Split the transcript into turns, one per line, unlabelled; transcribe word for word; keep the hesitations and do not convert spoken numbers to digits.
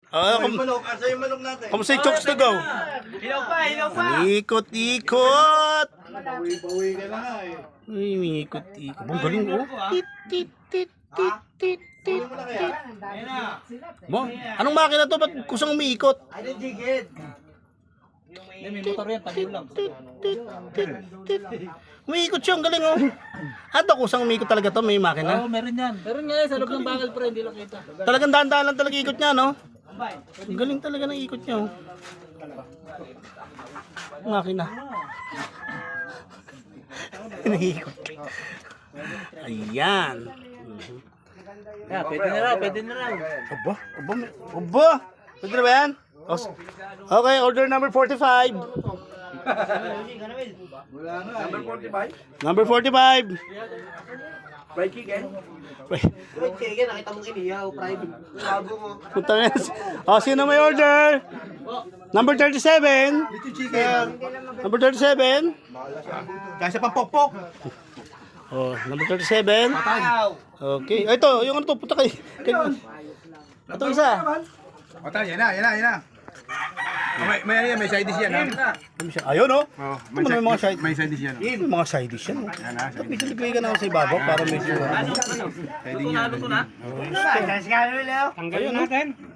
Ah, kum
Manok, asa yung manok natin?
kamusta yung chokes to go?
Hilaw pa, hilaw pa.
Ikot-ikot!
Bawi-bawi ka na nga eh.
Uy, ikot-ikot. Ang galing oh. Tit, tit, tit, tit, tit, tit, tit. Mo, anong makina to? Ba't kusang umiikot?
Ay, jigid.
May motor yan, tabi lang.
Tit, tit, tit, tit. Umiikot siya, ang galing oh. Hata kusang umiikot talaga to, may makina.
Oo, meron yan. Meron nga yan, sa loob ng bakal pre, hindi lang kita.
Talagang dahan-dahan lang talaga ikot niya, no? Ang galing talaga ng ikot niya, oh. Makina. Naikot. Ayan.
Yeah, pwede na raw, pwede na raw.
Aba, aba, may- aba. Pwede na ba yan? Os- Okay, order number forty-five.
Wala na. Number forty-five?
Number forty-five.
Fried chicken?
Wait,
Fried chicken, nakita mong iniyaw. Fried. Labo mo.
punta na yan. O, sino may order? Number thirty-seven.
Little chicken.
Number thirty-seven.
Kasi pang pokpok.
Oh, number thirty-seven. Okay. Ay, ito, yung ano to, puta kay. kay ito isa.
Otal, yan na, yan na, yan na. Oh, may, may, may side dish yan, ha?
Ayun, oh.
Oh,
Ito may mga side.
May side dish yan.
May mga side dish yan, oh.
Yan na, side dish.
Medyo ligway ka na ako sa ibabaw para medyo.
Pwede yan.
Luto na?
Ayun, oh.